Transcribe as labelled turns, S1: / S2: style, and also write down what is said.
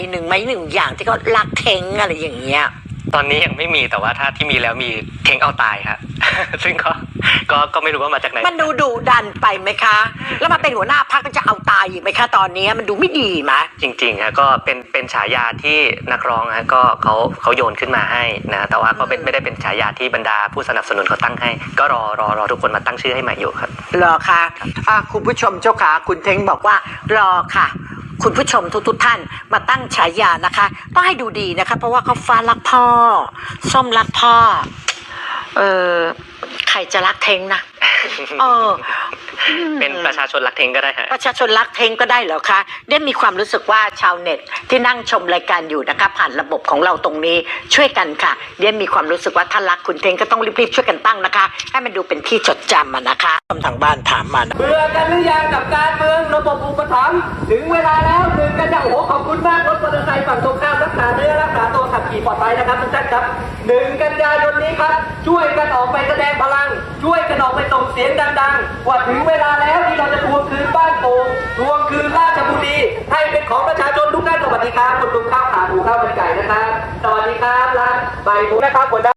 S1: หนึ่งไหมหนึ่งอย่างที่เขารักเท้งอะไรอย่างเงี้ย
S2: ตอนนี้ยังไม่มีแต่ว่าถ้าที่มีแล้วมีเท้งเอาตายครับ ซึ่งก็ไม่รู้ว่ามาจากไหน
S1: มันดูดุดันไปไหมคะแล้วมาเป็นหัวหน้าพรรคก็จะเอาตายอีกไหมคะตอนนี้มันดูไม่ดีไหม
S2: จริงๆฮะก็เป็นฉายาที่นักร้องฮะก็เขาโยนขึ้นมาให้นะแต่ว่าก็ไม่ได้เป็นฉายาที่บรรดาผู้สนับสนุนเขาตั้งให้ก็รอทุกคนมาตั้งชื่อให้ใหม่อยู่ครับ
S1: รอค่ะคุณผู้ชมเจ้าขาคุณเท้งบอกว่ารอค่ะคุณผู้ชมทุกท่านมาตั้งฉายานะคะต้องให้ดูดีนะคะเพราะว่าเขาฟ้ารักพ่อส้มรักพ่อใครจะรักเท้งนะ
S2: เป็นประชาชนรักเท้งก็ได้ฮะ
S1: ประชาชนรักเท้งก็ได้เหรอคะได้มีความรู้สึกว่าชาวเน็ตที่นั่งชมรายการอยู่นะคะผ่านระบบของเราตรงนี้ช่วยกันค่ะได้มีความรู้สึกว่าถ้ารักคุณเท้งก็ต้องรีบๆช่วยกันตั้งนะคะให้มันดูเป็นที่จดจำนะคะทางบ้านถามมา
S3: เบื่อกันหรือยังกับการเมืองระบบอุปถัมภ์ถึงเวลาแล้วหนึ่งกันยายนขอบคุณมากรถมอเตอร์ไซค์ฝั่งตรงข้ามรักษาเนื้อรักษาตัวขับขี่ปลอดภัยนะครับทุกท่านครับ1 กันยายนนี้ครับช่วยกันออกไปแสดงพลังช่วยกันออกไปส่งเสียงดังๆว่าถึงเวลาแล้วที่เราจะทวงคืนบ้านโป่งทวงคืนราชบุรีให้เป็นของประชาชนทุกท่านสวัสดีครับคุณลุงข้าวขาหมูข้าวมันไก่นะครับสวัสดีครับร้านใบหมูนะครับ